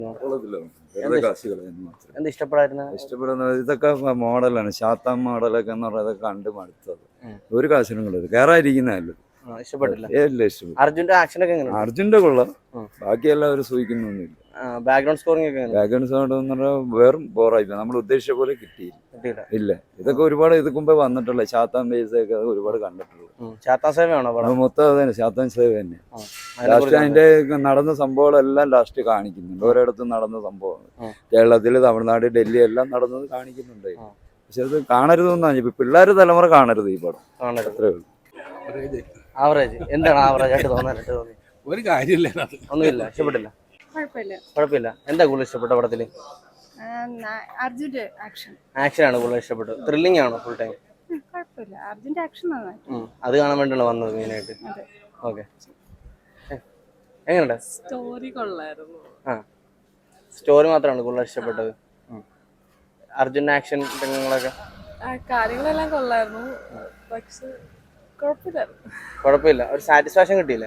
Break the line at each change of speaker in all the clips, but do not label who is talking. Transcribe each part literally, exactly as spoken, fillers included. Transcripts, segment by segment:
എന്ത് ഇഷ്ടപ്പെടായിരുന്നു?
ഇഷ്ടപ്പെടുന്നത് ഇതൊക്കെ മോഡലാണ്, ശാത്താൻ മോഡലൊക്കെ എന്ന് പറയുന്നത് കണ്ട് മടുത്തത്. ഒരു കാശിനും കൊള്ളത് കയറാതിരിക്കുന്നതല്ല.
ഇഷ്ടപ്പെട്ടില്ല.
ഏല്ല ഇഷ്ടപ്പെട്ടു.
അർജുന്റെ ആക്ഷൻ ഒക്കെ എങ്ങനെയാണ്?
അർജുന്റെ കൊള്ളാം, ബാക്കി എല്ലാവരും സൂചിക്കുന്നൊന്നുമില്ല.
ബാക്ക്ഗ്രൗണ്ട് സ്കോറിംഗ് ഒക്കെ
ബാക്ക്ഗ്രൗണ്ട് സൗണ്ട് എന്ന് പറഞ്ഞാൽ വെറും ബോറായി, നമ്മൾ ഉദ്ദേശിച്ച പോലെ കിട്ടിയില്ല. ഇല്ല, ഇതൊക്കെ ഒരുപാട് ഇതിക്ക് മുമ്പേ വന്നിട്ടുള്ള ശാത്താൻ ബേസ് ഒക്കെ ഒരുപാട് കണ്ടിട്ടുള്ളൂ.
ശാത്താൻ സേവയാണോ
മൊത്തം അത് തന്നെ, ശാത്താൻ സേവ തന്നെ. ലാസ്റ്റ് അതിന്റെ നടന്ന സംഭവങ്ങളെല്ലാം ലാസ്റ്റ് കാണിക്കുന്നുണ്ട്, ഓരോയിടത്തും നടന്ന സംഭവങ്ങൾ. കേരളത്തില്, തമിഴ്നാട്, ഡൽഹി എല്ലാം നടന്നത് കാണിക്കുന്നുണ്ട്. പക്ഷെ അത് കാണരുതെന്നാണ് ഇപ്പൊ പിള്ളേര് തലമുറ കാണരുത് ഈ പടം. അത്രേ ഉള്ളൂ.
ആവറേജ് എന്താണ് ആവറേജ് ആയിട്ട് തോന്നാനായിട്ട് തോന്നി?
ഒരു കാര്യമില്ല,
ഒന്നുമില്ല, ഇഷ്ടപ്പെട്ടില്ല. കുഴപ്പമില്ല. എന്താ കൂടുതൽ ഇഷ്ടപ്പെട്ട പടത്തില്?
അർജുന്റെ ആക്ഷൻ
ആക്ഷൻ ആണ് കൂടുതൽ ഇഷ്ടപ്പെട്ടത്. ത്രില്ലിംഗ് ആണോ ഫുൾ ടൈം?
കുഴപ്പമില്ല, അർജുന്റെ ആക്ഷൻ
അത് കാണാൻ വേണ്ടിയാണ് വന്നത് മെയിനായിട്ട്. ഓക്കെ, എങ്ങനെയുണ്ട്?
സ്റ്റോറി കൊള്ളായിരുന്നു.
ആ, സ്റ്റോറി മാത്രമാണ് കൂടുതൽ ഇഷ്ടപ്പെട്ടത്. അർജുന്റെ ആക്ഷൻ രംഗങ്ങളൊക്കെ
കാര്യങ്ങളെല്ലാം കൊള്ളായിരുന്നു, പക്ഷെ
കുഴപ്പമില്ല. ഒരു സാറ്റിസ്ഫാക്ഷൻ കിട്ടിയില്ലേ?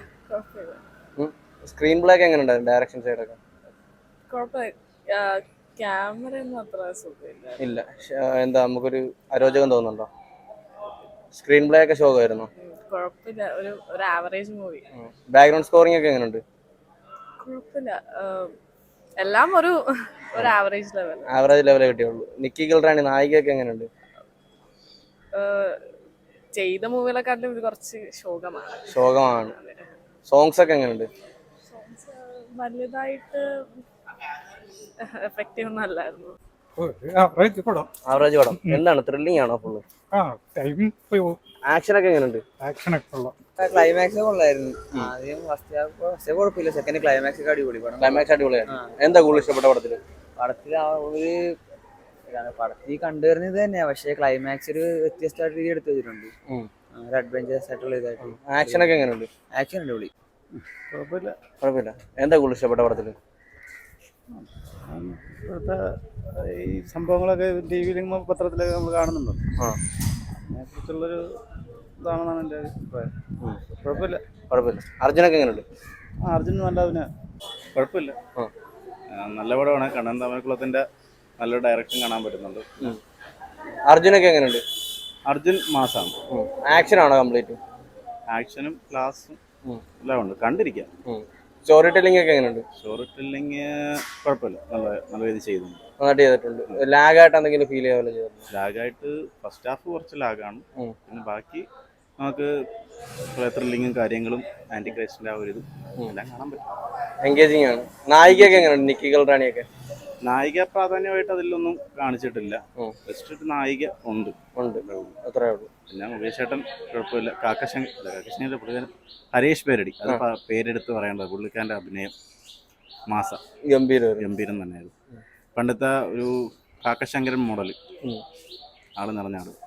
സ്ക്രീൻ പ്ലേ ഒക്കെ എങ്ങനെയുണ്ടായിരുന്നു? ഡയറക്ഷൻ സൈഡൊക്കെ
ക്യാമറ ഒന്നും അത്ര സുഖമില്ല.
ഇല്ല, എന്താ നമുക്കൊരു അരോചകം തോന്നുന്നുണ്ടോ? സ്ക്രീൻ പ്ലേ ഒക്കെ ശോകമായിരുന്നോ?
കുഴപ്പമില്ല, ഒരു ഒരു ആവറേജ് മൂവി.
ബാക്ക്ഗ്രൗണ്ട് സ്കോറിംഗ് ഒക്കെ എങ്ങനെയുണ്ട്?
കുഴപ്പമില്ല, എല്ലാം ഒരു ഒരു ആവറേജ് ലെവൽ
ആവറേജ് ലെവലേ കിട്ടിയുള്ളൂ. നിക്കി ഗിൽറാണി നായികയൊക്കെ എങ്ങനെയുണ്ട്?
ചെയ്ത മൂവികളെക്കാട്ടിലും ഇത് കുറച്ച് ശോകമാണ്.
ശോകമാണ്. സോങ്സ് ഒക്കെ എങ്ങനെയുണ്ട്?
വലുതായിട്ട് എഫക്റ്റീവ് ഒന്നും അല്ലായിരുന്നു.
ആവറേജ് പടം. എന്താണ്, ത്രില്ലിംഗ് ആണോ ഫുള്ള്? ആക്ഷൻ ഒക്കെ എങ്ങനെയുണ്ട്?
ക്ലൈമാക്സ് കൊള്ളായിരുന്നു. ആദ്യം ഫസ്റ്റ് ഹാഫ് ഫസ്റ്റ് കുഴപ്പമില്ല, സെക്കൻഡ് ക്ലൈമാക്സ് ഒക്കെ അടിപൊളി.
ക്ലൈമാക്സ് അടിപൊളിയാണ്. എന്താ കൂടുതൽ ഇഷ്ടപ്പെട്ട പടത്തില്?
പടത്തിൽ ആ ഒരു പടത്തിൽ കണ്ടുവരുന്നത് ഇത് തന്നെയാ, പക്ഷേ ക്ലൈമാക്സ് ഒരു വ്യത്യസ്തമായിട്ട് രീതി എടുത്തു വെച്ചിട്ടുണ്ട്. ഒരു അഡ്വഞ്ചറസ് ആയിട്ടുള്ള ഇതായിട്ട്.
ആക്ഷൻ ഒക്കെ എങ്ങനെയുണ്ട്?
ആക്ഷൻ അടിപൊളി.
കുഴപ്പമില്ല കുഴപ്പമില്ല. എന്താ കൂടുതൽ ഇഷ്ടപ്പെട്ട പടത്തില്?
ഇപ്പോഴത്തെ ഈ സംഭവങ്ങളൊക്കെ ടി വിയിലും പത്രത്തിലൊക്കെ നമ്മൾ കാണുന്നുണ്ടോ, അതിനെക്കുറിച്ചുള്ളൊരു ഇതാണെന്നാണ് എൻ്റെ അഭിപ്രായം. കുഴപ്പമില്ല
കുഴപ്പമില്ല. അർജുനൊക്കെ എങ്ങനെയുണ്ട്?
ആ, അർജുൻ നല്ല അഭിനയം, കുഴപ്പമില്ല.
നല്ല പടമാണ്. കണ്ണൻ തമിഴ്ക്കുളത്തിന്റെ നല്ല ഡയറക്ഷൻ കാണാൻ പറ്റുന്നുണ്ട്.
അർജുനൊക്കെ എങ്ങനെയുണ്ട്?
അർജുൻ മാസാണ്.
ആക്ഷൻ ആണോ കംപ്ലീറ്റ്?
ആക്ഷനും ക്ലാസും എല്ലാം ഉണ്ട്, കണ്ടിരിക്കാം.
സ്റ്റോറി ടെല്ലിംഗ് ഒക്കെ എങ്ങനെയുണ്ട്?
സ്റ്റോറി ടെല്ലിങ് കുഴപ്പമില്ല, നല്ല നല്ല രീതി ചെയ്തിട്ടുണ്ട്.
നന്നായിട്ട് ചെയ്തിട്ടുണ്ട്. ലാഗായിട്ട് എന്തെങ്കിലും ഫീൽ ചെയ്യാൻ ചെയ്തിട്ടുണ്ട്?
ലാഗായിട്ട് ഫസ്റ്റ് ഹാഫ് കുറച്ച് ലാഗാണ്, പിന്നെ ബാക്കി നമുക്ക് ത്രില്ലിങ്ങും കാര്യങ്ങളും ആന്റി ക്രൈസ്റ്റിന്റെ ആ ഒരു ഇതും എല്ലാം കാണാൻ പറ്റും.
എൻഗേജിങ് ആണ്. നായികയൊക്കെ എങ്ങനെയുണ്ട്? നിക്കി ഗിൽറാണിയൊക്കെ?
നായിക പ്രാധാന്യമായിട്ട് അതിലൊന്നും കാണിച്ചിട്ടില്ല, ജസ്റ്റ് ഒരു നായിക ഉണ്ട്
ഉണ്ട് അത്രേ ഉള്ളൂ.
പിന്നെ മുകേഷ് ചേട്ടൻ കുഴപ്പമില്ല. കാക്കശങ്കർ അല്ല കാക്കശങ്കർ പുള്ളിക്കാരൻ ഹരീഷ് പേരടി, അത് പേരെടുത്ത് പറയേണ്ടത്. പുള്ളിക്കാരൻ്റെ അഭിനയം മാസ
ഗംഭീരം
ഗംഭീരം തന്നെയായിരുന്നു. പണ്ടത്തെ ഒരു കാക്കശങ്കരൻ മോഡൽ ആള് നിറഞ്ഞ ആള്.